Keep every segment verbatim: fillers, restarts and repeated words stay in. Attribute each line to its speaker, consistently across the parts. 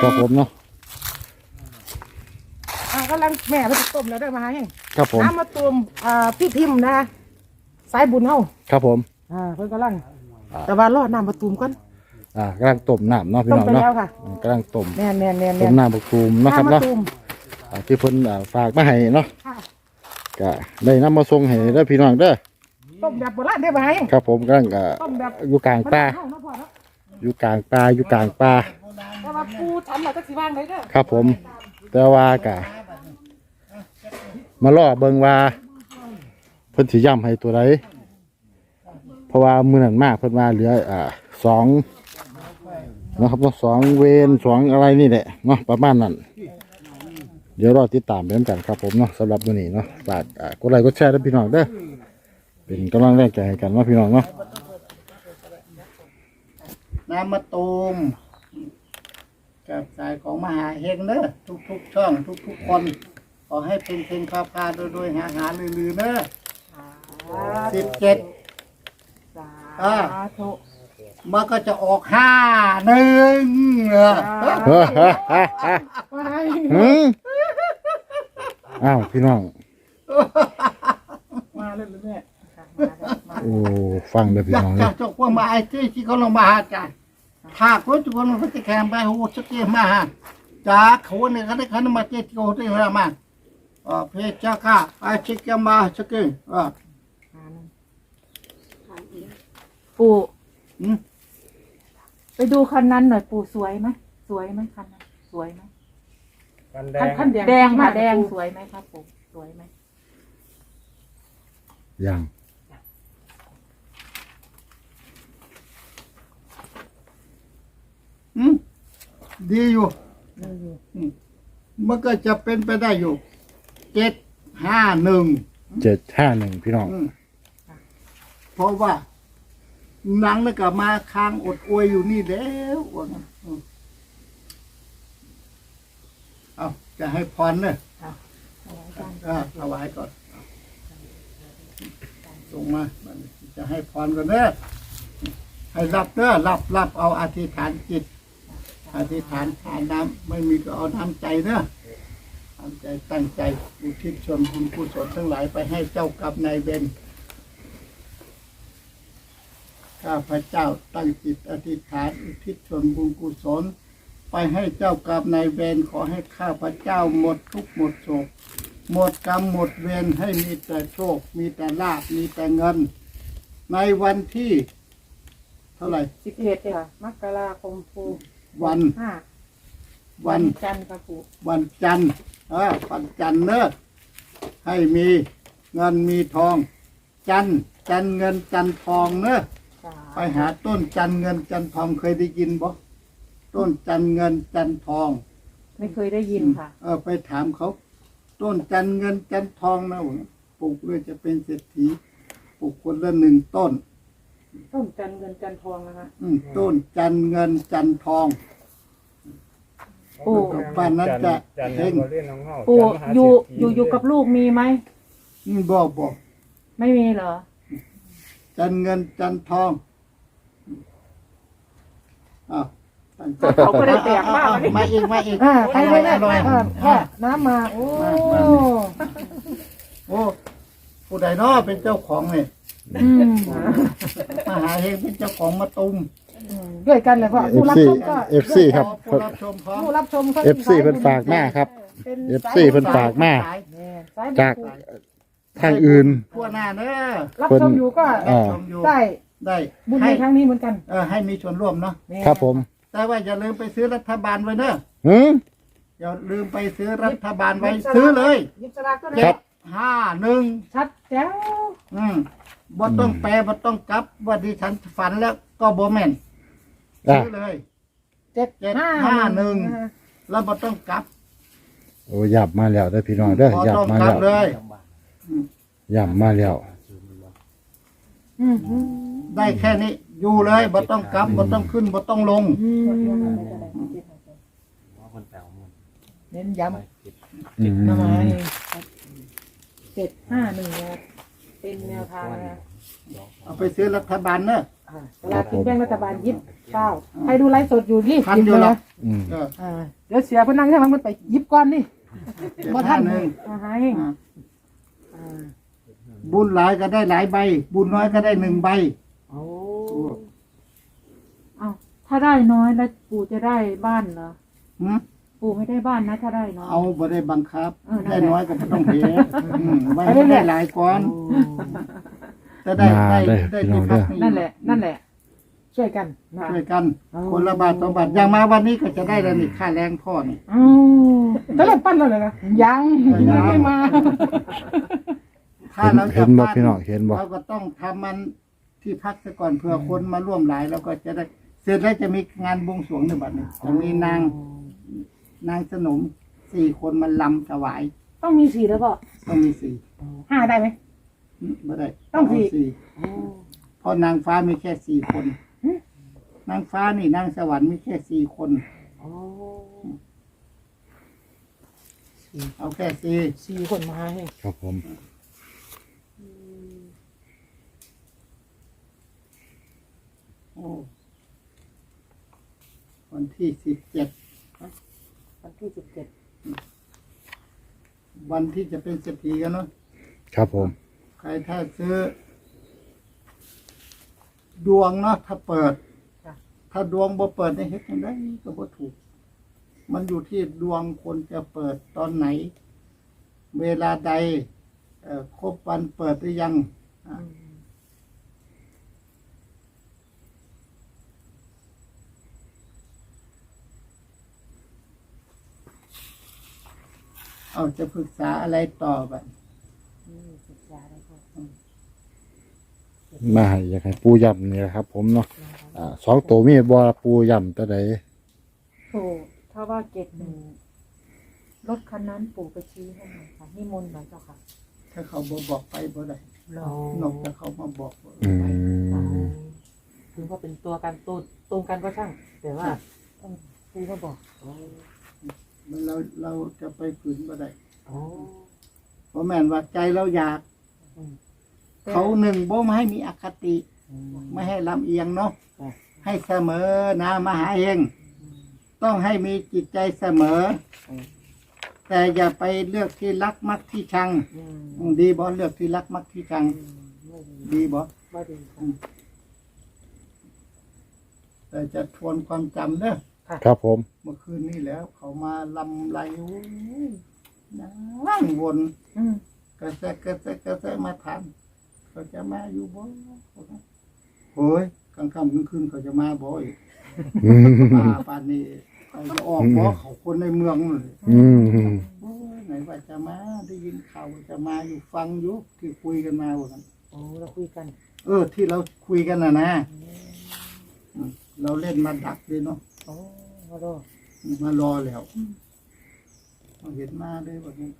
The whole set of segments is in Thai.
Speaker 1: ครับผมเนาะ
Speaker 2: อ่ากำลังแม่ไปต้มแล้วได้มาให้
Speaker 1: ครับผม
Speaker 2: น้ำมาตุ่มอ่าพี่ทิมนะสายบุญเฮา
Speaker 1: ครับผม
Speaker 2: อ่าเพิ่นกำลังแต่ว่ารอดน้ำมาตุ่มก่อน
Speaker 1: อ่ากำลังต้มน้ำเนาะพี่น้องเนาะกำลังต้ม
Speaker 2: แน่นแน่นแน่น
Speaker 1: ต้มน้ำบักตูมเนาะครับเนาะที่เพิ่นฝากมาให้เนาะก็ได้นำมาส่งให้เด้อพี่น้องเด้อ
Speaker 2: ต้มแบบโบราณได้ไหม
Speaker 1: ครับผมกำลังก็อยู่กลางป่าอยู่กลางป่าอยู่กลางป่า
Speaker 2: แต่ว่าปูฉันเราจะสิว่างเลยเด้อ
Speaker 1: ครับผมแต่ว่าก็มาล่อเบิ่งว่าเพิ่นสิย่ำให้ตัวใดเพราะว่ามื้อนั้นมากเพิ่นว่าเหลืออ่าสองนะครับเนาะสองเวนสองอะไรนี่แหละเนาะประมาณนั้นเดี๋ยวรอติดตามไปกันครับผมเนาะสำหรับมื้อนี้เนาะฝากอ่ากดไลค์กดแชร์ด้วยพี่น้องเด้อเป็นกำลังแรงใจให้กันเนาะพี่น้องเนาะ
Speaker 3: น้ำมะตูมกับสายของมหาเฮงเนอะทุกๆช่องทุกๆคนขอให้เป็นเพลงพาพาโดยโดยหาหาลือๆเนอะสิบเจ็ดอ่ามันก็จะออกห้าหนึ่งเออ
Speaker 1: อ้าวพี่น้อง
Speaker 2: มาเลยแม่
Speaker 1: โอ้ฟังเลยพี่น้อง
Speaker 3: จากจกพวกมาไอ้ที่ที่เขาลงมาหาจ่าหากคนทุกคนมันจะแข่งไปโหสเกมาหาจากเขาเนี่ยเขาได้เขามาเจ็ดโกที่เรามาอ่าเพชรจ้าไอ้ชิคกี้มาสเกอ่า
Speaker 2: ปู่ไปดูคันนั้นหน่อยปู่สวยไหมสวยไหมคันนั้นสวยไหมคันแดงคันแดงค่ะแดงสวยไหมครับปู่สวยไหม
Speaker 1: ยัง
Speaker 3: อืมดีอยู่มันก็จะเป็นไปได้อยู่เจ็ดห้าหนึ่ง
Speaker 1: เจ็ดห้าหนึ่งพี่น้อง
Speaker 3: เพราะว่าหนังนี่ก็มาค้างอดอวยอยู่นี่แล้วเอาจะให้พรเนอะถวายก่อนส่งมาจะให้พรก่อนเนอะให้รับเนอะรับรับเอาอธิษฐานจิตอธิษฐานทานน้ำไม่มีก็เอาน้ำใจเนอะน้ำใจตั้งใจอุทิศส่วนบุญกุศลทั้งหลายไปให้เจ้ากับนายเบนข้าพเจ้าตั้งจิตอธิษฐานอุทิศส่วนบุญกุศลไปให้เจ้ากับนายเวรขอให้ข้าพเจ้าหมดทุกหมดโศกหมดกรรมหมดเวรให้มีแต่โชคมีแต่ลาภมีแต่เงินในวันที่เท่าไหร่
Speaker 2: สิบเอ็ดค่ะมกราคมปู
Speaker 3: วัน
Speaker 2: ห้า
Speaker 3: วัน
Speaker 2: จันทร์ครับปู
Speaker 3: วันจันทร์เออวันจันทร์เนอะให้มีเงินมีทองจันทร์จันทร์เงินจันทร์ทองเนอะไปหาต้นจันเงินจันทองเคยได้ยินบ่ต้นจันเงินจันทอง
Speaker 2: ไม่เคยได้ยินค่ะ
Speaker 3: เออไปถามเขาต้นจันเงินจันทองนะปลูกเลยจะเป็นเศรษฐีปลูกคนละหนึ่งต้น
Speaker 2: ต้นจันเงินจันทองนะคะ
Speaker 3: อืมต้นจันเงินจันทอง
Speaker 2: ปู่
Speaker 3: บ้านนั้นจะเฮง
Speaker 2: ปู่อยู่อยู่อยู่กับลูกมีไหม
Speaker 3: อืมบอกบอก
Speaker 2: ไม่มีเหรอ
Speaker 3: จันเงินจันทองอ้าว
Speaker 2: เขาก็ได้แตกมาก
Speaker 3: มาอีกมาอีก
Speaker 2: ไปเลยนะน้ำมาโอ้
Speaker 3: โอ้ผู้ใดน้อเป็นเจ้าของเนี่ยมหาเฮงเป็นเจ้าของมาตุม
Speaker 2: ด้วยกันเลยพ่อผู้รับชมก็
Speaker 1: เอฟซีครับ
Speaker 3: ผู้รับชม
Speaker 2: ผู้รับชม
Speaker 1: เอฟซีเป็นฝากมากครับเอฟซีเป็นฝากมากจากทางอื่น
Speaker 3: ทั่วหน้าเนอะ
Speaker 2: รับชมอยู่ก็ได้
Speaker 3: ได้
Speaker 2: บุญในครั้งนี้เหมือนกัน
Speaker 3: เออให้มีส่วนร่วมเนาะ
Speaker 1: ครับผม
Speaker 3: แต่ว่าอย่าลืมไปซื้อรัฐบาลไว้เนอะ
Speaker 1: อืม
Speaker 3: อย่าลืมไปซื้อรัฐบาลไว้ซื้อเลยเจ็ดห้าหนึ่ง
Speaker 2: ชัดแจ๋ว
Speaker 3: อืมบ่ต้องแปลบ่ต้องกลับว่าดิฉันฝันแล้วก็บ่แม่นซื้อเลย
Speaker 2: เจ็ด
Speaker 3: ห้าหนึ่งแล้วบ่ต้องกลับ
Speaker 1: โอ้ยับมาแล้วได้พี่น้องเด้อยับมาแล้วยับมาแล้ว
Speaker 3: ได้แค่นี้อยู่เลยบ่ต้องกลับบ่ต้องขึ้นบ่ต้องลง
Speaker 2: เน้นย้ำจิตน้ำไม้เจ็ดห้าหนึ่งเป็นแนวทางนะ
Speaker 3: เอาไปซื้อรัฐบาลเนอะ
Speaker 2: เวลากินแบ่งรัฐบาลยิบเก้าใครดูไลฟ์สดอยู่รีบ
Speaker 3: ทัน
Speaker 2: กิน
Speaker 3: อยู่
Speaker 2: เลย
Speaker 3: เนาะ
Speaker 2: นะ
Speaker 1: อืม
Speaker 3: เออ
Speaker 2: อ่าเดี๋ยวเสียเพนนังให้มันไปยิบก้อนนี่
Speaker 3: บ่ทันหนึ่ง
Speaker 2: อ่าให้
Speaker 3: อ่า
Speaker 2: อ่า
Speaker 3: บุญหลายก็ได้หลายใบ บุญน้อยก็ได้หนึ่งใบ
Speaker 2: โอ้เอาถ้าได้น้อยแล้วปู่จะได้บ้านเหรอ
Speaker 3: หืม
Speaker 2: ปู่ไม่ได้บ้านนะถ้าได้น้อย
Speaker 3: เอาบ่ได้บังคับ
Speaker 2: เออนั่นแหละ
Speaker 3: ได้น้อยก็บ่ต้องเฮ็ดอืมไว้ให้ได้หลายก่อนจะได้ได้ได้ที่พักให้
Speaker 2: นั่นแหละ นั่นแหละ ช่วยกันนะ
Speaker 3: ช่วยกัน คนละบาทสองบาทอย่างมาวันนี้ก็จะได้แล้วนี่ค่าแรงพ่อนี่
Speaker 2: อ๋อจะเริ่มปั้นแล้วเลยนะยังยังไม่มา
Speaker 3: ถ้าเรา
Speaker 1: เห็
Speaker 3: จะ
Speaker 1: นบ่
Speaker 3: ปั้น
Speaker 1: พี่น้องเห็นบ่
Speaker 3: เราก็ต้องทำมันที่พักซะก่อนเผื่อคนมาร่วมหลายแล้วก็จะได้เสร็จแล้วจะมีงานบวงสรวงในบัดนี้จะมีนางนางสนมสี่คนมาลำถวาย
Speaker 2: ต้องมีสี่แล้วก็
Speaker 3: ต้องมีสี่
Speaker 2: ห้าได้ไหม
Speaker 3: ไม่ได้
Speaker 2: ต้องสี่
Speaker 3: เาเพราะนางฟ้ามีแค่สี่คน นางฟ้านี่นางสวรรค์มีแค่สี่คน เอาแค่สี่
Speaker 2: สี่คนมาให้
Speaker 1: ครับผม
Speaker 3: โอ้วันที่สิบเจ็ด
Speaker 2: วันที่สิบเจ็ด
Speaker 3: วันที่จะเป็นเศรษฐีกันเนาะ
Speaker 1: ครับผม
Speaker 3: ใครถ้าซื้อ ดวงเนาะถ้าเปิด ถ้าดวงบ่เปิดในเฮ็ดจังไดก็บ่ถูก มันอยู่ที่ดวงคนจะเปิดตอนไหน เวลาใดเอ่อครบวันเปิดหรือยังอ่ะเอาจะปรึกษาอะไรต่อบัด
Speaker 2: ศึกษาได้ครับ
Speaker 1: มาให้อยากให้ปูย่ำนี่แหละครับ ผมเนาะอ่าสองตัวมีบ่ปูย่ำตัวใด
Speaker 2: โอ้ถ้าว่าเกตหนึ่งรถคันนั้นปู่ไปชี้ให้หน่อยค่ะนิมนต์หน่อยเจ้าค่ะ
Speaker 3: ถ้าเขาบ่บอกไปบ่ได้
Speaker 2: รอน
Speaker 3: อกจากเขามาบอกว่า
Speaker 1: อื
Speaker 3: ไป
Speaker 1: ม
Speaker 2: ถึงว่าเป็นตัวกันตัวตรงกันก็ช่าง แต่ว่าต้องปู่ก็บอก
Speaker 3: มันเราเราจะไปฝืนบ่ได้
Speaker 2: โอ้
Speaker 3: เพราะแม่นว่าใจเราอยาก เขาหนึ่งบ่มาให้มีอคติ ไม่ให้ลำเอียงเนาะให้เสมอนะมหาเองต้องให้มีจิตใจเสมอ แต่อย่าไปเลือกที่รักมักที่ชัง
Speaker 2: อืม
Speaker 3: ดีบ่เลือกที่รักมักที่ชัง
Speaker 2: ไม่ดี
Speaker 3: ดีบ่
Speaker 2: ไม่ดีค่ะ
Speaker 3: แต่จะทวนความจำเด้อ
Speaker 1: ครับผม
Speaker 3: เมื่อคืนนี้แล้ว เขามาลำไรโอ้ยนั่งวน
Speaker 2: อืม
Speaker 3: กระแซะกระแซะกระแซะมาถามเขาจะมาอยู่บ่โอ้ยกลางค่ำกลางคืนเขาจะมาบ่อีก
Speaker 1: อืม
Speaker 3: ป่าป่านนี้เขาจะออกบ่เขาคนในเมืองนั่นเลย
Speaker 1: อืม
Speaker 3: โอ้ยไหนว่าจะมาได้ยินข่าวว่าจะมาอยู่ฟังอยู่ที่คุยกันมาว่ากัน
Speaker 2: โอ้เราคุยกัน
Speaker 3: เออ ที่เราคุยกันน่ะนะอืมเราเล่นมาดักเลยเนาะ
Speaker 2: โอ้เราดู
Speaker 3: มารอแล้วเราเห็นมาเลยว่านี้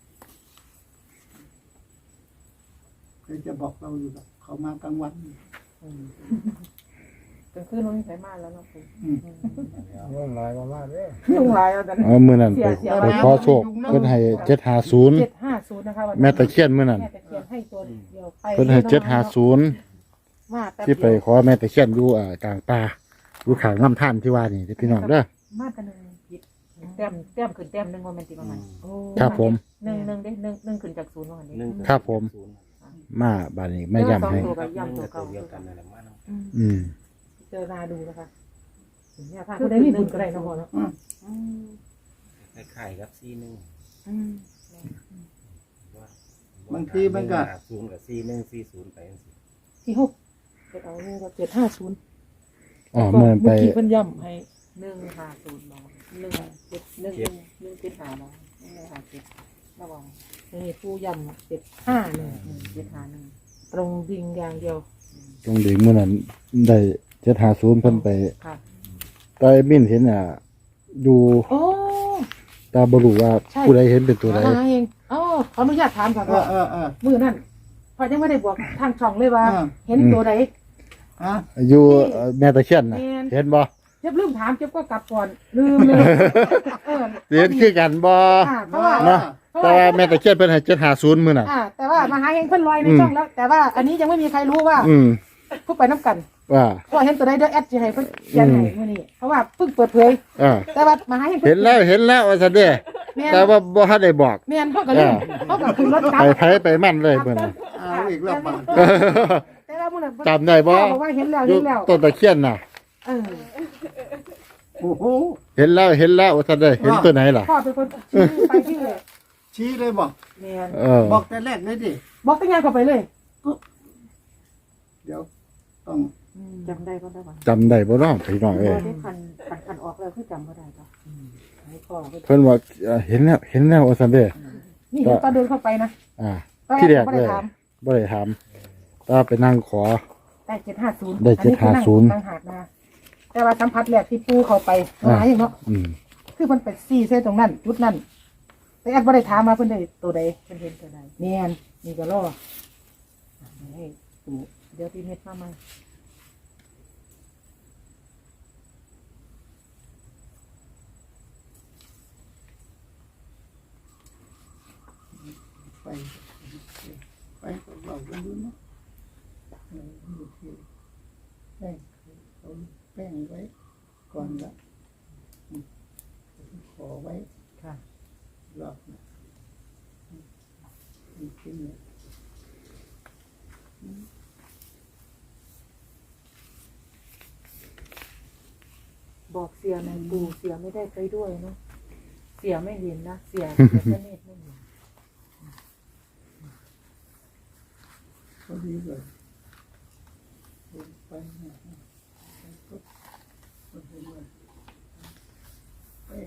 Speaker 3: เคยจะบอกเราอยู่แบบเขามากลางวัน
Speaker 2: อืมกลางคืนเราไม่ใส่มากแล้วเนาะปู่
Speaker 3: อืม
Speaker 4: ยุ่งหลายมากๆเลย
Speaker 2: ยุ่งหลายแล้วแต่
Speaker 1: เอามื้อนั้นไป
Speaker 2: เสีย
Speaker 1: ไปขอโชคเพิ่นให้เจ็ดห้าศูนย์
Speaker 2: เจ็ดห้าศูนย์นะคะวันนี้
Speaker 1: แม่ตะเคียนมื้อนั้น
Speaker 2: แม่ตะเคียนให้ตัวเดียวไป
Speaker 1: เพิ่นให้เจ็ดห้าศูนย์
Speaker 2: มาแป๊บ
Speaker 1: ที่ไป
Speaker 2: เดียว
Speaker 1: ขอแม่ตะเคียนอยู่อ่ากลางป่าอยู่ข้างน้ำท่านที่ว่านี่เด้อพี่น้องเด้อ
Speaker 2: มาแต่หนึ่งผิดแต้มแต้มขึ้นแต้มหนึ่งว่าแมันติประมาณโอ้
Speaker 1: ครับผม
Speaker 2: หนึ่งหนึ่งเด้หนึ่งหนึ่งขึ้นจากศูนย์ว่าอันนี้
Speaker 1: ครับผม มาบัดนี้ไม่ย่ำให้
Speaker 2: สองตัวกับย่ำตัวเก่า
Speaker 4: เดียวกันนั่นแหละมาเนาะ
Speaker 2: อืม
Speaker 1: อืม
Speaker 2: เจอนาดูนะคะเนี่ยค่ะคุณได้มีบุญก็ได้เนาะพ่อเนาะ
Speaker 3: อืม
Speaker 2: อืม
Speaker 4: คล้ายๆกับซีหนึ่ง
Speaker 2: อืม
Speaker 3: บางทีมันก็
Speaker 4: ศูนย์กับซีหนึ่งซีศูนย์ไปจังซี่
Speaker 2: ที่หกเจ็ดเอาเนี่ยก็เจ็ดห้าศูนย์
Speaker 1: อ๋อเมื่อนั้นไป
Speaker 2: เมื่อกี้เพิ่นย่ำให้หนึ่งห้าศูนย์บาทหนึ่งเจ็ดหนึ่งหนึ่งหนึ่งเจ็ดห้าบาทหนึ่งห้าเจ็ดระวังนี่ผู้ย่ำเจ็ดห้าหนึ่งเจ็ดห้าหนึ่งตรงดิงอย่างเดียว
Speaker 1: ตรงดีเมื่อนั้นได้เจ็ดห้าศูนย์เพิ่นไป
Speaker 2: ค่ะ
Speaker 1: ตอนมินเห็นอ่ะดู
Speaker 2: โอ้
Speaker 1: ตาบรู้ว่า
Speaker 2: ใช่
Speaker 1: ผู้ใดเห็นเป็นตัวใด
Speaker 2: มาเองอ๋อขออนุญาตถามก่อน
Speaker 3: เอ
Speaker 2: ว่า
Speaker 3: อเออเออ
Speaker 2: มือนั่นพอยังไม่ได้บอกทางช่องเลยว่า
Speaker 3: อ่า
Speaker 2: เห็นตัวใด
Speaker 3: ฮะ
Speaker 1: อยู่เอ่อแม่ตะเคียนน่ะ
Speaker 2: แม่น
Speaker 1: เห็นบ่
Speaker 2: เจ็บลืมถามเจ็บก็กลับก่อนลืมเลยเออ
Speaker 1: เห็นคือกันบ่
Speaker 2: อ่าเพราะว่า
Speaker 1: เนาะแต่ว่าแม่ตะเคียนเพิ่นให้เจ็ดห้าศูนย์มื้อน่ะ
Speaker 2: อ่าแต่ว่ามาหาเองเพิ่นลอยใน
Speaker 1: อืม
Speaker 2: ช่องแล้ว แต่ว่าอันนี้ยังไม่มีใครรู้ว่า
Speaker 1: อืม
Speaker 2: ผู้ไปน้ำกัน
Speaker 1: ว่า
Speaker 2: พอเห็นตัวใดเด้อแอดจะให้เพิ่นเขียนให้มื้อนี้เพราะว่าเพิ่งเปิดเผย
Speaker 1: อ่า
Speaker 2: แต่ว่ามาให้
Speaker 1: เห็นแล้วเห็นแล้วว่าซั่นเด้
Speaker 2: แม่น
Speaker 1: แต่ว่าบ่ทันได้บอก
Speaker 2: แม่นเฮาก็ลืมเฮาก็ขึ้นรถกลับ
Speaker 1: ไปไผไปมั่นเลยเพิ่นน่ะ
Speaker 3: เอาอีกแล้วบัง
Speaker 2: แต่ว่ามื้อนั้น
Speaker 1: จำได้บ่
Speaker 2: พ่อบอกว่าเห็นแล้ว
Speaker 1: อยู่
Speaker 2: เห็นแล้ว
Speaker 1: ต้นตะเคียนน่ะ
Speaker 2: เออ
Speaker 3: โอ้โห
Speaker 1: เห็นแล้วเห็นแล้วว่าซั่นเด้เห็นตัวไหนล่ะ
Speaker 2: พ่อเป็นคนชี้ไปที่เลย
Speaker 3: ชี้เลยบอก
Speaker 2: แม่น
Speaker 1: เออ
Speaker 3: บอกแต่แรกเลยดิ
Speaker 2: บอกตั้งงานเข้าไปเลย
Speaker 3: เดี๋ยวต้อง
Speaker 5: จำได้ก็ได้ป่ะ
Speaker 1: จำได้บ่เนาะพี่น้อง
Speaker 5: พ
Speaker 1: เอ้ย
Speaker 5: อได้คันคันคันออกแล้วคือจำก็ได้ป่ะ
Speaker 2: ให้พ่อไป
Speaker 1: เพิ่นว่าเอ่อเห็นแล้วเห็นแล้วว่าซั่นเด้
Speaker 2: นี่เห็นตอนเดินเข้าไปนะ
Speaker 1: อ่า
Speaker 2: ตอน
Speaker 1: ที่แรก
Speaker 2: บ่
Speaker 1: เล
Speaker 2: ได้
Speaker 1: ย
Speaker 2: ถาม
Speaker 1: บ่ได้ถามแต่ว่าไปนั่งขอ
Speaker 2: ได้เจ็ดห้าศูนย์
Speaker 1: ได้เจ็ดห้าศูนย์
Speaker 2: ต่างหากนะแต่ว่าสัมผัสแรกที่ปูเข้าไปหาอย่างเนาะ
Speaker 1: อืม
Speaker 2: คือมันเป็นซี่เส้นตรงนั้น จุดนั้นแต่แอดบ่ได้ถามมาเพิ่นได้ตัวใด
Speaker 5: เพิ่นเห็นตัวใด
Speaker 2: แม่นนี่ก็รอให้ปู
Speaker 5: เดี๋ยวพี่เม็ดมาใหม่
Speaker 3: ไปไปกับเรากันดูเนาะเออดูที่แป้งเอาแป้งไว้ก่อนละอืมขอไว้
Speaker 2: ค่ะ
Speaker 3: รอบนะอืมอืมขึ้นเลย
Speaker 5: บอกเสียในปูเสียไม่ได้ไปด้วยเนาะเสียไม่เห็นนะเสียเสียแค่เม็ดไม่เห็น
Speaker 3: พอดีเลยลงไปนะไปปุ๊บพอดีเลยแป้ง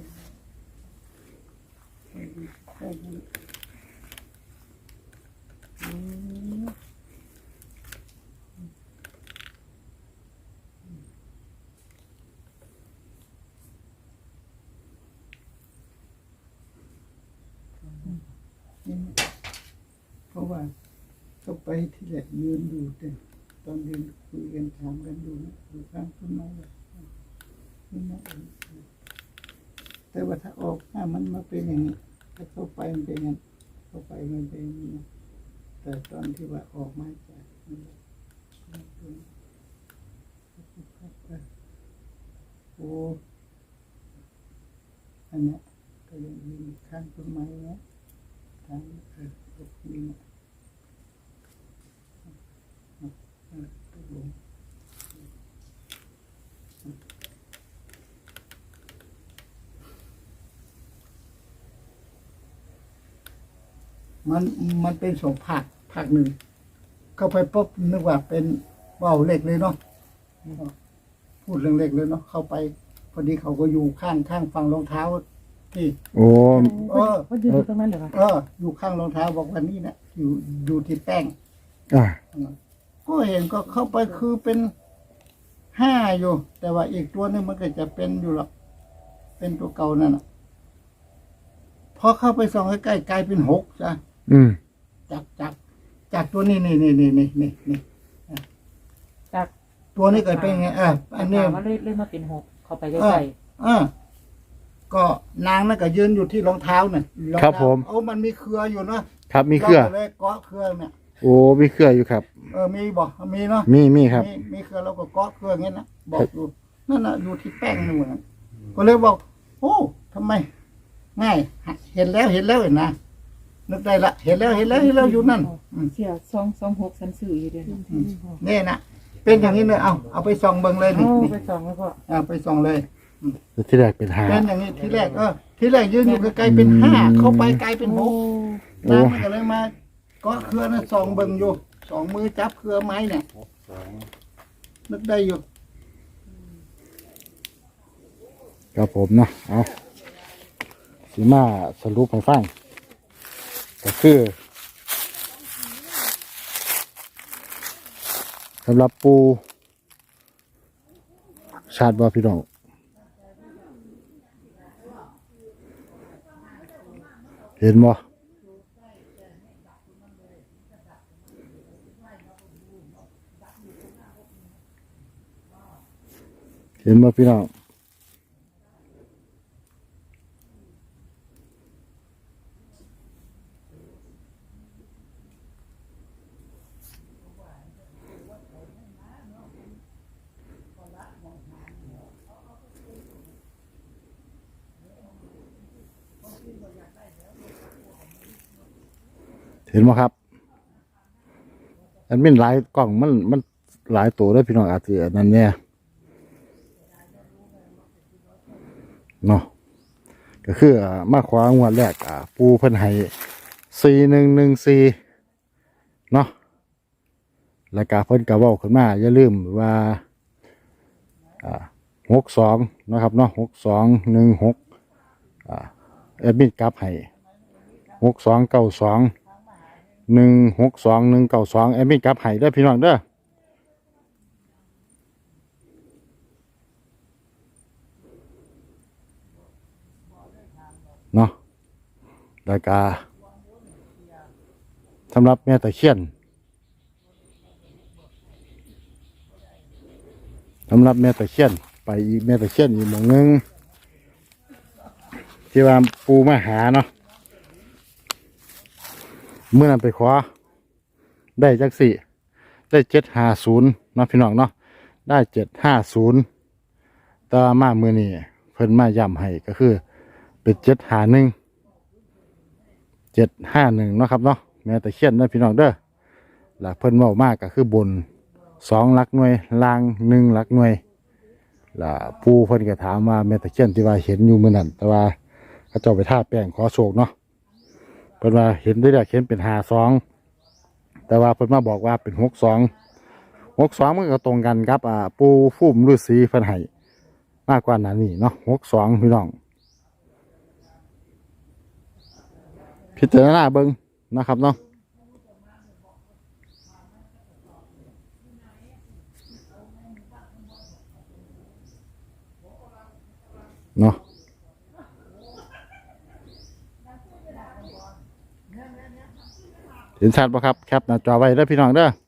Speaker 3: แป้งแป้งอืม นี่เพราะว่าเขาไปที่แหลกยืนดูแต่ตอนเรียนคุยกันถามกันดูนะดูข้างต้นไม้เลยนี่นะเองแต่ว่าถ้าออกถ้ามันมาเป็นอย่างนี้ถ้าเข้าไปมันเป็นอย่างนี้เข้าไปมันเป็นอย่างนี้นะแต่ตอนที่ว่าออกมาจากนั่นแหละโอ้อันเนี้ยก็ยังยืนข้างต้นไม้นะทางเออตกดินเออตกลงมันมันเป็นสองภาคภาคหนึ่งเข้าไปปุ๊บนึกว่าเป็นว่าวเล็กเลยเนาะพูดเรื่องเล็กเลยเนาะเข้าไปพอดีเขาก็อยู่ข้างข้างฝั่งรองเท้าที่
Speaker 1: โอ้
Speaker 3: เออ
Speaker 2: ว่ายืนอยู่ตรงนั้นเหรอคะ
Speaker 3: เออ อยู่ข้างรองเท้าบอกว่านี่นะอยู่อยู่ที่แป้ง
Speaker 1: อ่า
Speaker 3: ก็เห็นก็เข้าไปคือเป็นห้าอยู่ แต่ว่าอีกตัวหนึงมันก็จะเป็นอยู่หรอกเป็นตัวเก่านั่นน่ะพอเข้าไปส่องใกล้ๆกลายเป็นหกจ้ะ
Speaker 1: อืม
Speaker 3: จากจากจากตัวนี้นี่นี่นี่นี่นี่นี่
Speaker 2: จาก
Speaker 3: ตัวนี้เกิดเป็นไงเอออันนี้
Speaker 5: ถามว่าเลยเลยมาเป็นหกเข้าไปใก
Speaker 3: เออ
Speaker 5: ล้
Speaker 3: เออก็นางนั่นก็ยืนอยู่ที่รองเท้าน่ะอง
Speaker 1: ครับ
Speaker 3: เท้า
Speaker 1: ผม
Speaker 3: โอ้มันมีเครืออยู่เนาะ
Speaker 1: ครับมีเครือ
Speaker 3: ราก็เลยเกาะเครือเนี่ย
Speaker 1: โอ้มีเครืออยู่ครับ
Speaker 3: เออมีบ่มีเนาะ
Speaker 1: มีมีครับ
Speaker 3: มีมีเครือเราก็เกาะเครืออย่างนี้นะบอกอยู่นั่นน่ะอยู่ที่แป้งนู่นน่ะก็เลยบอก โอ้ทำไม ง่ายเห็นแล้วเห็นแล้วเห็นนะนึกได้ละเห็นแล้วเห็นแล้วเห็นแล้วอยู่นั่นอืม
Speaker 5: ๆเสียสองสองหกสันสื่ออยู่เดียว
Speaker 3: อืมนี่นะเป็นอย่างนี้เลยเอาเอาไปส่องเบิ่งเลยนี่
Speaker 2: เอา
Speaker 3: นี่
Speaker 2: ไปส่องแล้วก็
Speaker 3: เอาไปส่องเลย
Speaker 1: ที่แรกเป็นหา
Speaker 3: เป็นอย่างนี้ทีแรกเออทีแรกยืนอยู่ไกลๆเป็นห้าเข้าไปไกลเป็นหก
Speaker 1: โอ้
Speaker 3: นางมันก็เลยมาเก็เครือนะส่องเบิ่งอยู่สองมือจับเครือไม้เนี่ย
Speaker 4: หกสอง
Speaker 3: นึกได้อยู่
Speaker 1: ครับผมเนาะเอาสีมาสรุปให้ฟังก็คือสำหรับปูชาติบ่พี่น้องเห็นบ่เห็นบ่พี่น้องเห็นไหมครับอันเป็นหลายกล่องมันมันหลายตัวด้วยพี่น้องอาจจะอันนั้นเนี่ยเนาะก็คืออ่ามาขวางวดแรกอ่าปูเพิ่นให้สี่หนึ่งหนึ่งสี่เนาะแล้วก็เพิ่นก็เว้าขึ้นมาอย่าลืมว่าอ่าหกสองนะครับเนาะหกสองหนึ่งหกอ่าแอดมินกลับให้หกสองเก้าสองหนึ่งหกสองหนึ่งเก้าสองแอดมินกลับให้เด้อพี่น้องเด้อเนาะแล้วก็สำหรับแม่ตะเคียนสำหรับแม่ตะเคียนไปอีกแม่ตะเคียนอีกหมู่นึงที่ว่าปูมาหาเนาะเมื่อนั้นไปขอได้จักสี่ได้เจ็ดห้าศูนย์เนาะพี่น้องเนาะได้เจ็ดห้าศูนย์ต่อมาเมื่อนี้เพิ่นมาย้ำให้ก็คือเป็นเจ็ดห้าหนึ่งเจ็ดห้าหนึ่งเนาะครับเนาะแม่ตะเคียนนะพี่น้องเด้อแล้วเพิ่นเว้ามากก็คือบนสองหลักหน่วยล่างหนึ่งหลักหน่วยแล้วปูเพิ่นก็ถามว่าแม่ตะเคียนที่ว่าเห็นอยู่มื้อนั้นแต่ว่าเขาเจ้าไปทาแป้งขอโชคเนาะเพิ่นว่าเห็นได้แล้วเห็นเป็นห้าสองแต่ว่าเพิ่นมาบอกว่าเป็นหกสองหกสองมันก็ตรงกันครับอ่าปูฟุ่มฤาษีเพิ่นให้มากกว่านั้นนี่เนาะหกสองพี่น้องพิจารณาเบิ่งนะครับเนาะเนาะเห็นชัดป่ะครับแคปหน้าจอไว้เด้อพี่น้องเด้อ